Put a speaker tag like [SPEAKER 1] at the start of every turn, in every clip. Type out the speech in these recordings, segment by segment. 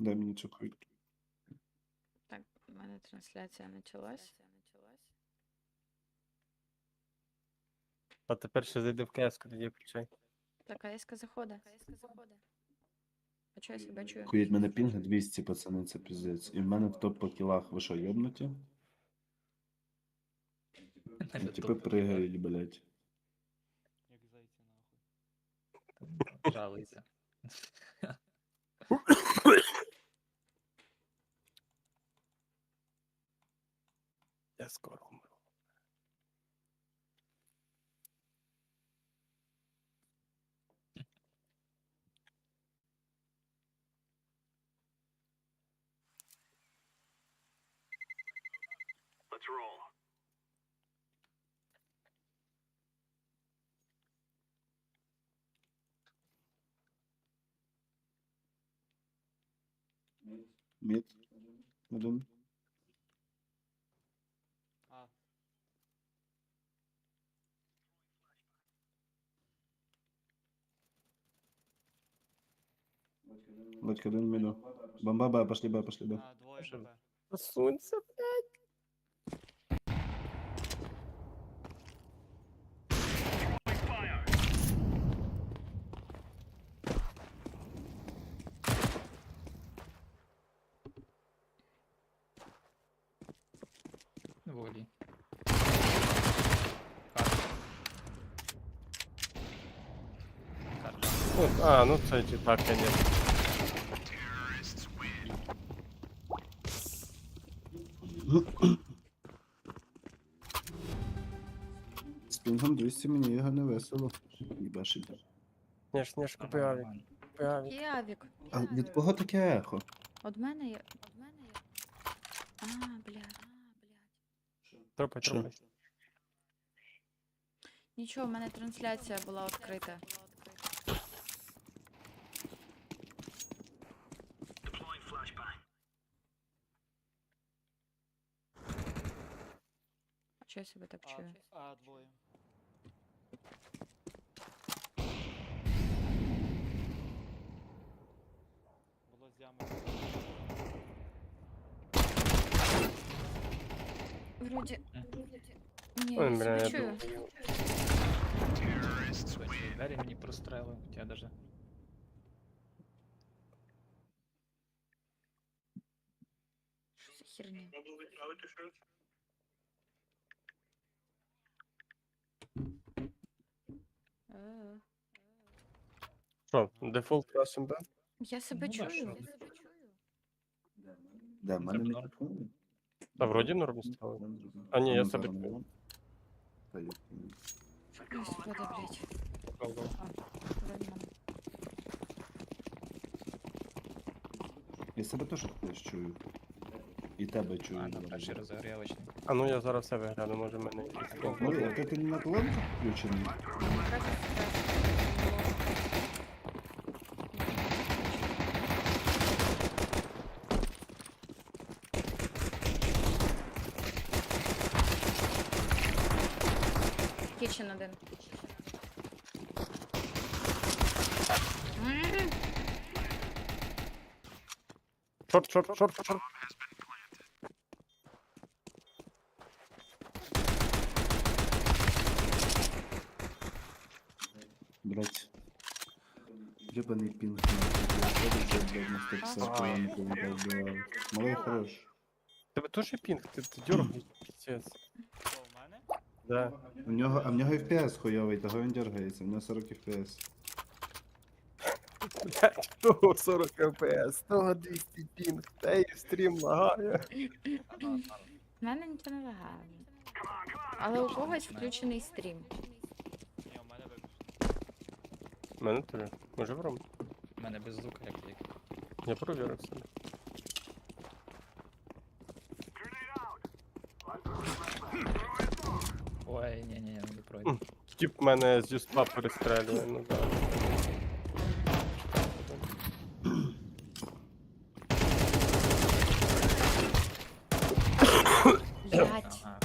[SPEAKER 1] Дай мені цю квітку.
[SPEAKER 2] Так, у мене трансляція почалась.
[SPEAKER 3] А тепер ще зайди в КС, тоді включай.
[SPEAKER 2] Так, АСК заходить. А чого я себе чую?
[SPEAKER 1] Кують мене пінг 200, пацани, це піздець. І в мене в топ по кілах. Ви що, йобнуті? Ну, типи пригають, блядь.
[SPEAKER 4] Як зайці нахуй.
[SPEAKER 5] Жалуйся.
[SPEAKER 3] Я скоро умру.
[SPEAKER 1] Мід. Один.
[SPEAKER 4] А,
[SPEAKER 1] Батька один міду. Бомба Б, пошли Б, пошли Б.
[SPEAKER 4] двоє
[SPEAKER 3] Що?
[SPEAKER 4] БП.
[SPEAKER 3] Посунься, блядь.
[SPEAKER 5] Волі.
[SPEAKER 3] Ну це чи так, конечно.
[SPEAKER 1] З пінгом 200 мені його не весело. Їбашить.
[SPEAKER 3] Ніж, купи авік. Купи авік.
[SPEAKER 2] Який авік?
[SPEAKER 1] А від кого таке ехо?
[SPEAKER 2] От мене є. А, блядь.
[SPEAKER 3] Тропай,
[SPEAKER 1] Що?
[SPEAKER 3] тропай.
[SPEAKER 2] Нічого, в мене трансляція була відкрита. А чого я себе так чую?
[SPEAKER 4] Двоє. Було з ями.
[SPEAKER 2] Вроді. Ні,
[SPEAKER 3] Ой,
[SPEAKER 2] я
[SPEAKER 3] бля,
[SPEAKER 2] себе
[SPEAKER 3] я
[SPEAKER 2] чую.
[SPEAKER 5] Двері мені прострелив, я даже.
[SPEAKER 2] Що за херня? Е.
[SPEAKER 3] Що, дефолт красим, да?
[SPEAKER 2] Я себе
[SPEAKER 5] Ну, да,
[SPEAKER 2] чую.
[SPEAKER 5] що?
[SPEAKER 1] Де, в мене
[SPEAKER 5] Це норм.
[SPEAKER 1] мікрофон?
[SPEAKER 3] А вроді норм стало. А ні, я себе
[SPEAKER 1] чую.
[SPEAKER 2] Господи, блядь.
[SPEAKER 3] чую.
[SPEAKER 2] Вроді мене.
[SPEAKER 1] Я себе теж хтось чую. І тебе чую.
[SPEAKER 5] А, на перший розігрівочний.
[SPEAKER 3] А ну я зараз себе гляну, може в мене якийсь комп.
[SPEAKER 1] Ну, як ти на колонку включений?
[SPEAKER 2] Кічен один.
[SPEAKER 3] Шорт.
[SPEAKER 1] Блять. Ебаный пинг. Малый хорош.
[SPEAKER 3] Тебе теж пінг? Ти дьоргаєш, піздець.
[SPEAKER 4] Що, в мене?
[SPEAKER 3] Да.
[SPEAKER 1] У нього FPS хуйовий, того він дергається, у нього 40 FPS.
[SPEAKER 3] Блядь, того 40 ФПС, того 200 пінг, та й стрім лагає.
[SPEAKER 2] В мене нічого не лагає. Але у когось включений стрім.
[SPEAKER 4] Ні, у мене виключно.
[SPEAKER 3] У мене теж. Може вром?
[SPEAKER 5] У мене без звука як тільки.
[SPEAKER 3] Я провірив себе.
[SPEAKER 5] Ой, ні, не пройде.
[SPEAKER 3] Тіп мене з юспа перестрелює, ну да.
[SPEAKER 2] Блять.
[SPEAKER 5] Ага.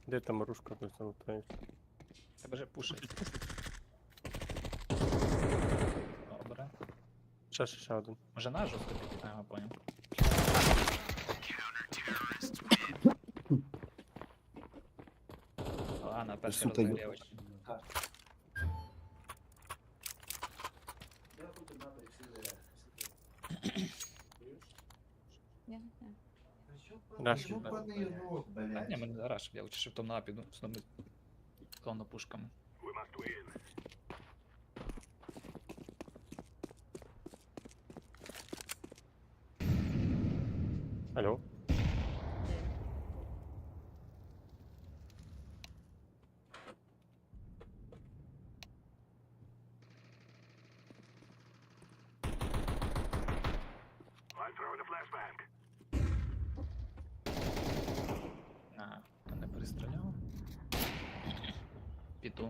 [SPEAKER 3] Де там рушка тут залутаєш?
[SPEAKER 5] Тебе же пушить. Добре.
[SPEAKER 3] Ще один.
[SPEAKER 5] Може на жорстко піти, ага, понял. Ладно, перший
[SPEAKER 1] Сука, ё-
[SPEAKER 5] розігрівач.
[SPEAKER 2] Ні, ні.
[SPEAKER 3] Раш.
[SPEAKER 5] Та ні, мене раш, я лучше шифтом на піду, з ними клону пушками.
[SPEAKER 3] Алло.
[SPEAKER 5] Ага, мене перестріляв. Піду.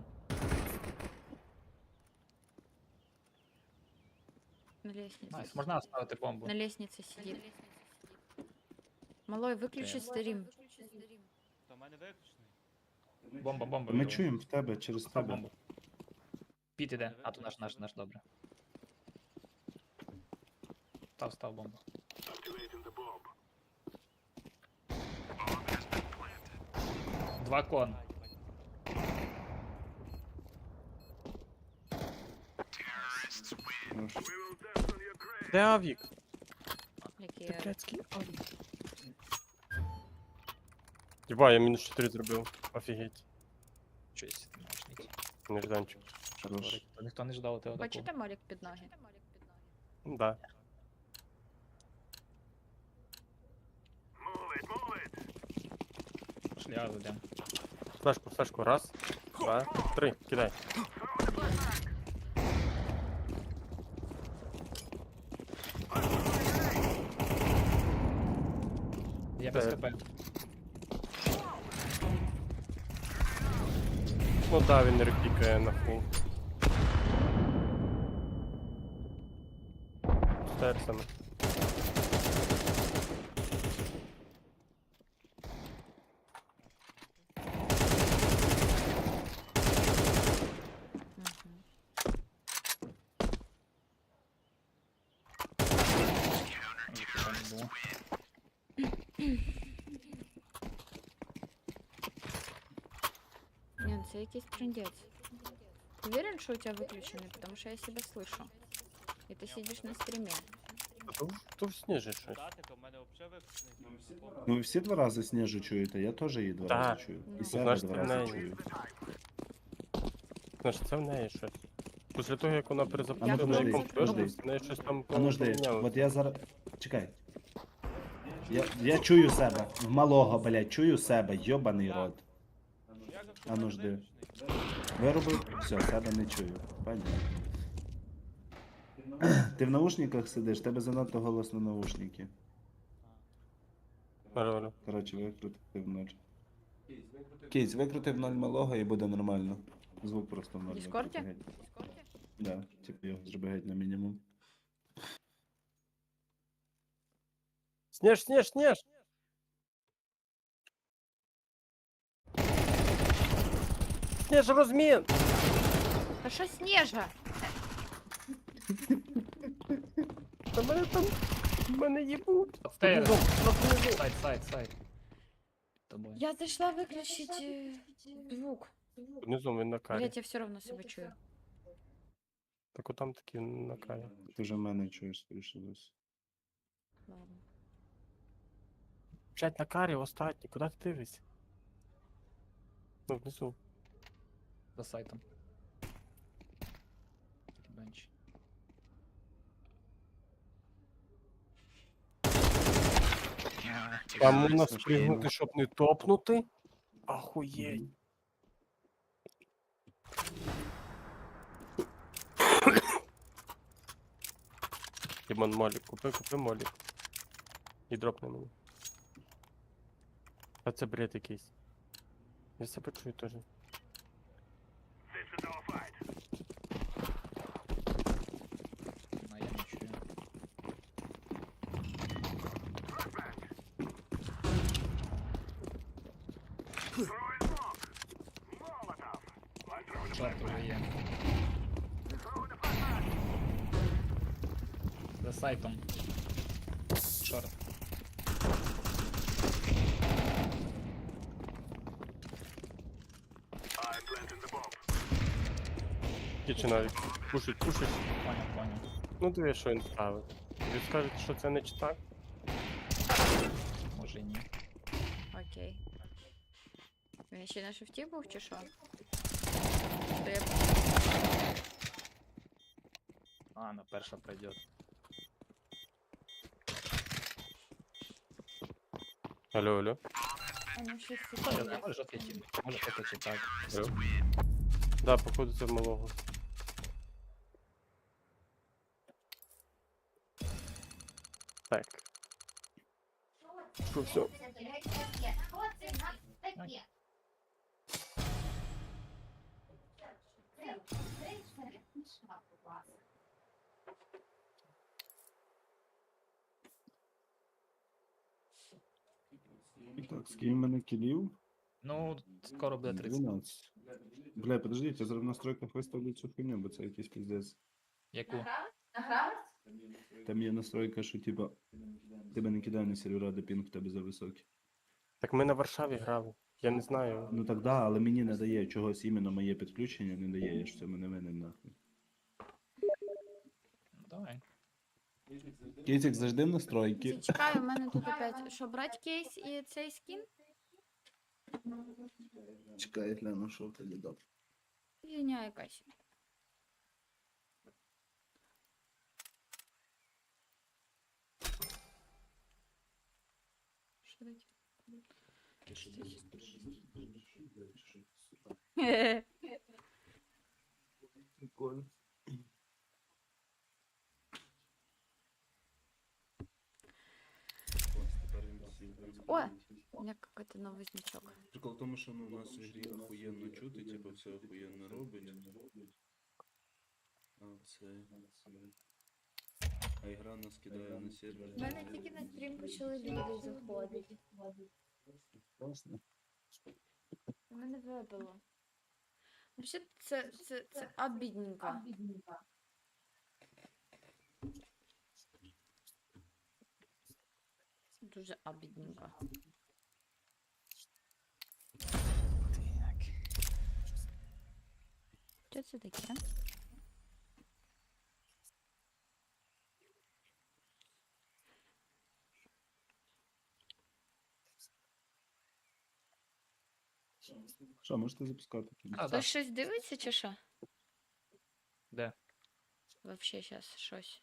[SPEAKER 2] На лестнице.
[SPEAKER 5] Найс, можна оставити бомбу.
[SPEAKER 2] На лестнице сидит. Малой, выключи стрим.
[SPEAKER 4] То в мене виключений.
[SPEAKER 5] Бомба, бомба.
[SPEAKER 1] Ми
[SPEAKER 5] вліво.
[SPEAKER 1] чуємо в тебе через
[SPEAKER 5] Став
[SPEAKER 1] тебе.
[SPEAKER 5] бомбу. Піт іде, а то наш, добре. Став бомбу. Два кон.
[SPEAKER 1] Хорош.
[SPEAKER 3] Де авік?
[SPEAKER 2] Який
[SPEAKER 3] Ти
[SPEAKER 2] я-
[SPEAKER 3] блядський авік. Єба, я мінус 4 зробив. Офігеть.
[SPEAKER 5] Щось мощний.
[SPEAKER 3] Нежданчик.
[SPEAKER 1] Хорош.
[SPEAKER 5] Ніхто не ждав тебе такого.
[SPEAKER 2] Бачите молік під ноги?
[SPEAKER 3] Да.
[SPEAKER 5] Шлях йдем.
[SPEAKER 3] Флешку. Раз, два, три. Кидай.
[SPEAKER 5] Я без
[SPEAKER 3] Е.
[SPEAKER 5] КП.
[SPEAKER 3] Ну да, він репікає на фул. Стерсами.
[SPEAKER 2] Мгм.
[SPEAKER 5] Ніхто не було.
[SPEAKER 2] Ні, це якийсь трындець. Уверен, що у тебя выключенный, потому что я себя слышу. И ты сидишь на стриме.
[SPEAKER 3] То в сніжі щось.
[SPEAKER 4] Датика в мене взагалі виключений.
[SPEAKER 1] Ну ви всі два рази Снежу чуєте, я теж її два
[SPEAKER 3] Так.
[SPEAKER 1] рази чую.
[SPEAKER 2] Ну.
[SPEAKER 1] І себе
[SPEAKER 3] Значить,
[SPEAKER 1] два
[SPEAKER 3] це в
[SPEAKER 1] рази
[SPEAKER 3] неї.
[SPEAKER 1] чую.
[SPEAKER 3] Значить, це в неї щось. Після того, як вона
[SPEAKER 2] Я
[SPEAKER 3] перезапустила
[SPEAKER 1] подожди,
[SPEAKER 3] на
[SPEAKER 1] подожди.
[SPEAKER 3] комп'ютер, в неї щось там
[SPEAKER 1] А ну жди,
[SPEAKER 3] помінялося.
[SPEAKER 1] от я зараз. Чекай. Я чую себе. В малого, блядь, чую себе, йобаний рот.
[SPEAKER 4] Як
[SPEAKER 1] А ну
[SPEAKER 4] мене
[SPEAKER 1] жди.
[SPEAKER 4] виключений?
[SPEAKER 1] Виробив, все, себе не чую. Понятно. Ти в наушниках сидиш, тебе занадто голосно наушники.
[SPEAKER 3] Алло.
[SPEAKER 1] Коротше, викрутив ноль. Кейс, викрутив ноль малого і буде нормально. Звук просто в ноль.
[SPEAKER 2] В Діскорді?
[SPEAKER 1] викрути геть. Да, типу його зроби геть на мінімум.
[SPEAKER 3] Сніж! Сніж, розмін!
[SPEAKER 2] Та що Снежа?
[SPEAKER 3] Та мене їбуть!
[SPEAKER 5] Стейр.
[SPEAKER 3] Внизу.
[SPEAKER 5] Сайт. Тобою.
[SPEAKER 2] Я зайшла выключить звук.
[SPEAKER 3] Внизу він на карі.
[SPEAKER 2] Блять, я все равно себя чую.
[SPEAKER 3] Так отам таки на карі.
[SPEAKER 1] Ти вже мене чуєш, скоріше досі.
[SPEAKER 2] Ладно.
[SPEAKER 3] Блять, на карі остатній, куди ти дивишся? Ну, внизу.
[SPEAKER 5] За сайтом. Бенч.
[SPEAKER 3] Там можна
[SPEAKER 1] Ясно,
[SPEAKER 3] спригнути, щоб не топнути. Ахуєть.
[SPEAKER 1] Мгм.
[SPEAKER 3] Дімон, молік, купи молік. І дропни мені. А це бред якийсь. Я себе чую теж.
[SPEAKER 5] А я не чую. Шорт уже є. За сайтом. Шорт.
[SPEAKER 3] Кічі навіть. Пушить.
[SPEAKER 5] Понял.
[SPEAKER 3] Ну диви, що він ставить. Ви скажете, що це не читак?
[SPEAKER 5] Може і ні.
[SPEAKER 2] Окей. Він ще на шифті був чи що? То я...
[SPEAKER 5] А, на перша пройде.
[SPEAKER 3] Алло.
[SPEAKER 2] А, ну, шифті
[SPEAKER 5] Я
[SPEAKER 2] є.
[SPEAKER 5] знаю, може ответить. Може это читак.
[SPEAKER 3] Алло. Да, походу це малого. Так. Що, все.
[SPEAKER 1] Так, скільки в мене кілів?
[SPEAKER 5] Ну, скоро буде 30.
[SPEAKER 1] 12. Бля, подождіть, я зараз в настройках виставлю цю хуйню, бо це якийсь піздець.
[SPEAKER 5] Яку?
[SPEAKER 1] Там є настройка, що типа тебе не кидає на сервера, де пінг в тебе за високий.
[SPEAKER 3] Так ми на Варшаві грали. Я не знаю.
[SPEAKER 1] Ну так да, але мені не дає чогось іменно моє підключення, не дає, я ж в цьому не винен нахуй.
[SPEAKER 5] Ну, давай.
[SPEAKER 1] Кейсик завжди в настройки.
[SPEAKER 2] Чекай, у мене тут опять. Що, брать кейс і цей скін?
[SPEAKER 1] Чекай, я гляну, що тоді дав.
[SPEAKER 2] Фігня якась. Що таке?
[SPEAKER 1] Прикольно.
[SPEAKER 2] О, у меня какой-то новый значок.
[SPEAKER 1] Прикол в тому, що ну, у нас в грі охуєнно чути, типу все охуєнно робить. А ігра нас кидає на сервер.
[SPEAKER 2] У мене тільки на стрім почали люди заходити.
[SPEAKER 1] Класно.
[SPEAKER 2] У мене вибило. Взагалі, це обідненько. Дуже обідненько. Так. Що це таке?
[SPEAKER 1] Що, можете запускати?
[SPEAKER 5] А, да.
[SPEAKER 2] Хтось щось дивиться чи що?
[SPEAKER 5] Де?
[SPEAKER 2] Вообще щас щось.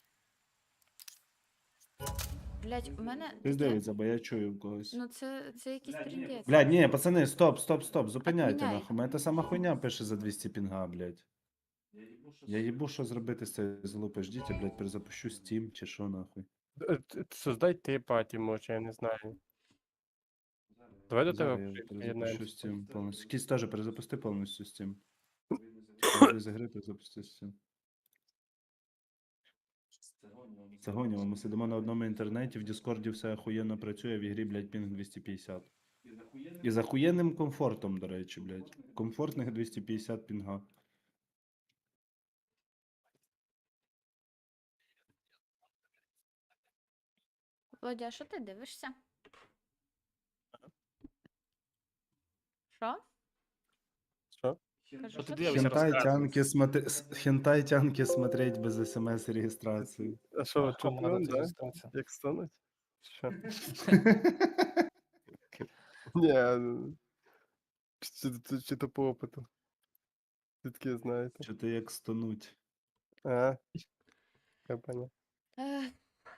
[SPEAKER 2] Блять, у мене.
[SPEAKER 1] Хтось
[SPEAKER 2] таке-
[SPEAKER 1] дивиться, бо я чую в когось.
[SPEAKER 2] Ну це якийсь трендець.
[SPEAKER 1] Блядь, ні, пацани, стоп, зупиняйте
[SPEAKER 2] Отміняй.
[SPEAKER 1] нахуй. Мене та сама хуйня пише за 200 пінга, блядь. Я їбу, що зробити з цією залупи. Ждіть, я, блядь, перезапущу Steam чи що нахуй.
[SPEAKER 3] Создай ти паті, може, я не знаю. Давай до тебе
[SPEAKER 1] Зараз я перезапущу
[SPEAKER 3] приєднаємося.
[SPEAKER 1] Steam повністю. Кісь теж перезапусти повністю Steam. З ігри перезапусти Steam. Це гоняло, ми сидимо на одному інтернеті, в Діскорді все охуєнно працює, в ігрі, блядь, пінг 250. І з охуєнним комфортом, до речі, блядь. Комфортних 250 пінга.
[SPEAKER 2] Володя, а що ти дивишся? Що?
[SPEAKER 3] Що?
[SPEAKER 2] Кажу,
[SPEAKER 5] Що ти
[SPEAKER 2] що
[SPEAKER 5] дивишся?
[SPEAKER 1] Хентай-тянки смотреть без смс-реєстрації.
[SPEAKER 3] А що, ви
[SPEAKER 5] Кому надо
[SPEAKER 3] чутно,
[SPEAKER 5] це
[SPEAKER 3] да?
[SPEAKER 5] реєстрація?
[SPEAKER 3] Як стануть? Що? Ні, ну, чи то по опиту. Звідки знаєте?
[SPEAKER 1] Що ти як стонуть?
[SPEAKER 3] А, я понял.
[SPEAKER 2] Ех.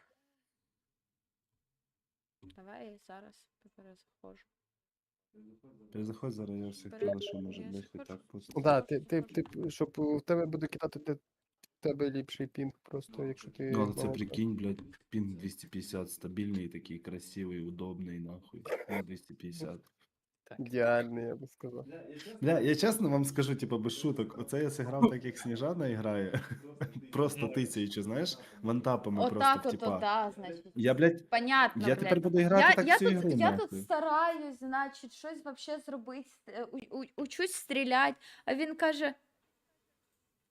[SPEAKER 2] Давай я зараз перезаходжу.
[SPEAKER 1] Перезаходь зараз, я всіх
[SPEAKER 2] Пере-
[SPEAKER 1] кидала, що може,
[SPEAKER 2] я
[SPEAKER 1] блядь, хоч
[SPEAKER 2] схожу.
[SPEAKER 1] так пустити.
[SPEAKER 3] Да, ти, щоб у тебе буде кидати, в тебе ліпший пінг просто, якщо ти...
[SPEAKER 1] Ну, але це
[SPEAKER 3] мало-
[SPEAKER 1] прикинь, блядь, пінг 250, стабільний, такий красивий, удобний, нахуй. Пінг 250.
[SPEAKER 5] Так.
[SPEAKER 3] Ідеальний, я би сказав.
[SPEAKER 1] Бля, я чесно вам скажу, типу, без шуток, оце я зіграв так, як Сніжана грає, просто тисячу, знаєш, вантапами просто
[SPEAKER 2] Отак
[SPEAKER 1] в
[SPEAKER 2] от,
[SPEAKER 1] типа.
[SPEAKER 2] да, значить.
[SPEAKER 1] Я, блядь,
[SPEAKER 2] Понятно,
[SPEAKER 1] я
[SPEAKER 2] блядь.
[SPEAKER 1] тепер буду грати так всю ігру,
[SPEAKER 2] я тут
[SPEAKER 1] нахуй.
[SPEAKER 2] стараюсь, значить, щось вообще зробити, учусь стріляти, а він каже,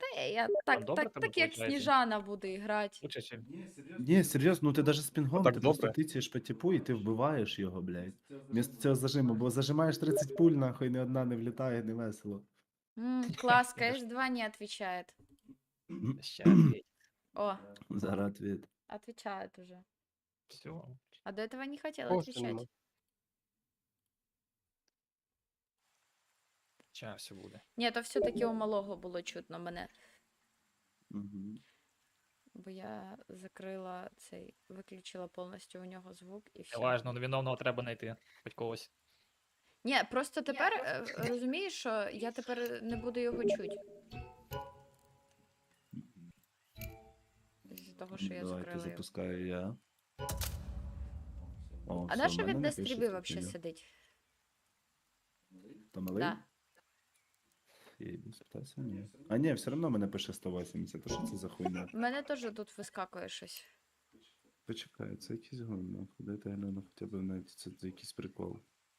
[SPEAKER 2] Та я так,
[SPEAKER 5] добре
[SPEAKER 2] так,
[SPEAKER 5] тебе
[SPEAKER 2] так як
[SPEAKER 5] получається?
[SPEAKER 2] Сніжана буде грати.
[SPEAKER 5] Лучше, чим.
[SPEAKER 1] Ні, серйозно, ну ти даже з пінгом,
[SPEAKER 3] так
[SPEAKER 1] ти просто
[SPEAKER 3] добре?
[SPEAKER 1] тицяєш по типу і ти вбиваєш його, блядь. Вмісто цього зажиму, бо зажимаєш 30 пуль, нахуй, ні одна не влітає, не весело.
[SPEAKER 2] Класс, КС-2 не отвечает.
[SPEAKER 5] Ще ответь.
[SPEAKER 2] О,
[SPEAKER 1] Зараз відповідь.
[SPEAKER 2] отвечает уже.
[SPEAKER 5] Все.
[SPEAKER 2] А до этого не хотел
[SPEAKER 3] Просто
[SPEAKER 2] отвечать.
[SPEAKER 3] нема.
[SPEAKER 5] Сейчас все буде.
[SPEAKER 2] Ні, то все-таки у малого було чутно мене.
[SPEAKER 1] Угу.
[SPEAKER 2] Бо я закрила цей, виключила повністю у нього звук і все.
[SPEAKER 5] Неважно, невиновного треба знайти. Хоч когось.
[SPEAKER 2] Ні, просто тепер розумієш, що я тепер не буду його чути. З того, що я
[SPEAKER 1] Давайте
[SPEAKER 2] закрила його.
[SPEAKER 1] запускаю я. О,
[SPEAKER 2] А
[SPEAKER 1] все,
[SPEAKER 2] на
[SPEAKER 1] в
[SPEAKER 2] що
[SPEAKER 1] мене
[SPEAKER 2] він
[SPEAKER 1] не
[SPEAKER 2] на
[SPEAKER 1] пише
[SPEAKER 2] стрібі
[SPEAKER 1] тут
[SPEAKER 2] взагалі
[SPEAKER 1] меню.
[SPEAKER 2] сидить?
[SPEAKER 1] То малий?
[SPEAKER 2] Да.
[SPEAKER 1] Єбі, спитайся, ні. А ні, все одно мене пише 180. То що це за хуйня?
[SPEAKER 2] У мене теж тут вискакує щось.
[SPEAKER 1] Почекай, це якийсь гон, дайте я гляну хоча б навіть це якийсь прикол.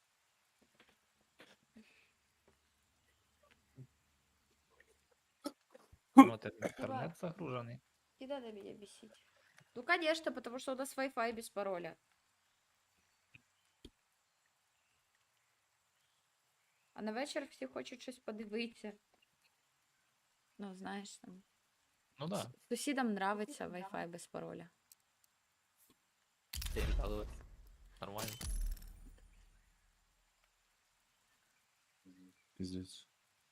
[SPEAKER 5] Ну, от інтернет загружений.
[SPEAKER 2] Не надо меня бесить. Ну, конечно, потому что у нас Wi-Fi без пароля. А на вечір всі хочуть щось подивитися. Ну, знаєш, там.
[SPEAKER 5] Ну да.
[SPEAKER 2] Сусідам нравиться Wi-Fi без пароля.
[SPEAKER 5] Але нормально.
[SPEAKER 1] Пиздец.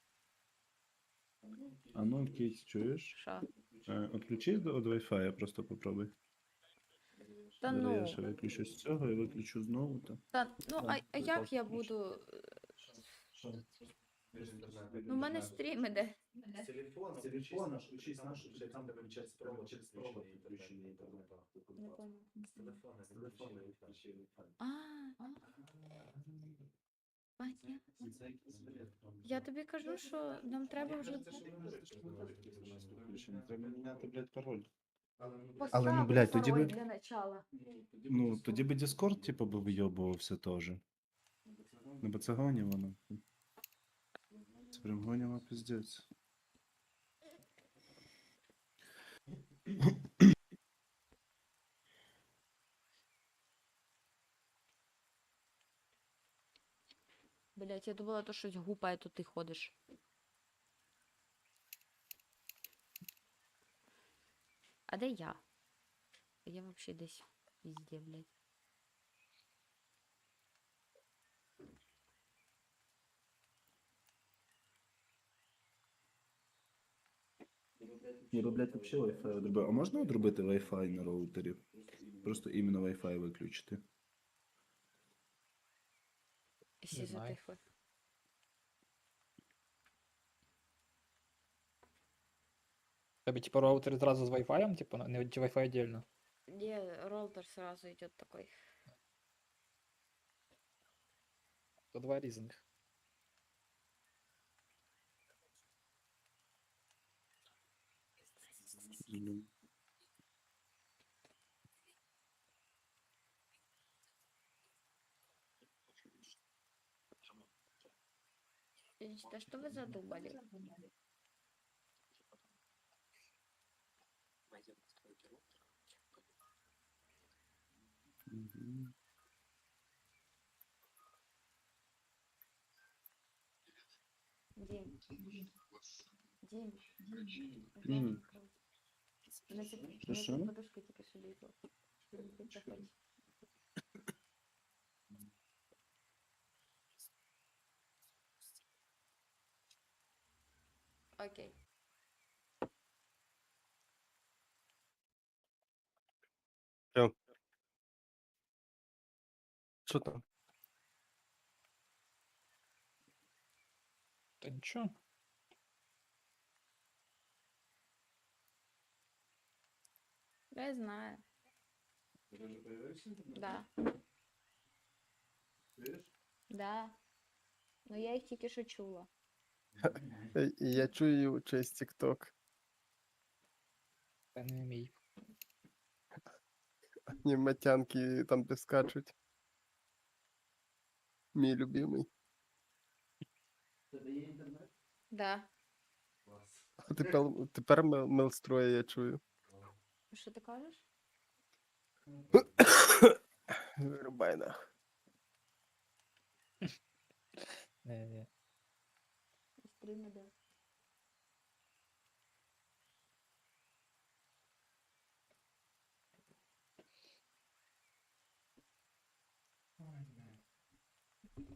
[SPEAKER 1] А ну, Кейт, чуєш?
[SPEAKER 2] Що?
[SPEAKER 1] Отключи від Wi-Fi, просто попробуй.
[SPEAKER 2] Та
[SPEAKER 1] Зараз я
[SPEAKER 2] ну.
[SPEAKER 1] ще виключу з цього і виключу знову. Та.
[SPEAKER 2] Та, ну, а як я буду. Ну, в мене стрім іде.
[SPEAKER 1] Телефон, включись наш, там де виключається провод через провод підключений інтернет.
[SPEAKER 2] Не понял.
[SPEAKER 1] З телефона відключили.
[SPEAKER 2] Понятно. Я тобі кажу, що нам треба вже.
[SPEAKER 1] Треба міняти, блядь, пароль.
[SPEAKER 2] Поставити
[SPEAKER 1] ну, блядь, тоді
[SPEAKER 2] пароль
[SPEAKER 1] би-
[SPEAKER 2] для начала.
[SPEAKER 1] Ну, тоді би Discord, типу, би вийобувався теж. Ну, бо це гоняло, воно. Це прям гоняло пиздець.
[SPEAKER 2] Блять, я думала, то щось гупає, то ти ходиш. А де я? Я вообще десь везде, блядь.
[SPEAKER 1] Я би, блядь, вообще Wi-Fi одробив. А можна одробити Wi-Fi на роутері? Просто іменно Wi-Fi виключити.
[SPEAKER 2] Всі
[SPEAKER 5] Не знаю.
[SPEAKER 2] затихли.
[SPEAKER 5] Тебе типа роутер зразу з Wi-Fi, типа, не Wi-Fi отдельно.
[SPEAKER 2] Не, роутер сразу идет такой.
[SPEAKER 5] То два різних.
[SPEAKER 1] Ну,
[SPEAKER 2] Да что вы задумали?
[SPEAKER 1] мгм.
[SPEAKER 2] Дим. Дим.
[SPEAKER 1] М.
[SPEAKER 2] На
[SPEAKER 1] Що?
[SPEAKER 2] подушку тільки що лізла. Ти заходь. Окей.
[SPEAKER 3] Що там?
[SPEAKER 5] Та нічого.
[SPEAKER 2] Я знаю. Да. Да. Ну я їх тільки що чула.
[SPEAKER 3] Я чую через TikTok.
[SPEAKER 5] Це не мій.
[SPEAKER 3] Аниматянки там де скачуть. Мій любимий.
[SPEAKER 2] Да.
[SPEAKER 3] А тепер мелстроя я чую.
[SPEAKER 2] Що ти кажеш?
[SPEAKER 3] Вирубай нахуй.
[SPEAKER 5] Не-не.
[SPEAKER 2] Стрім іде.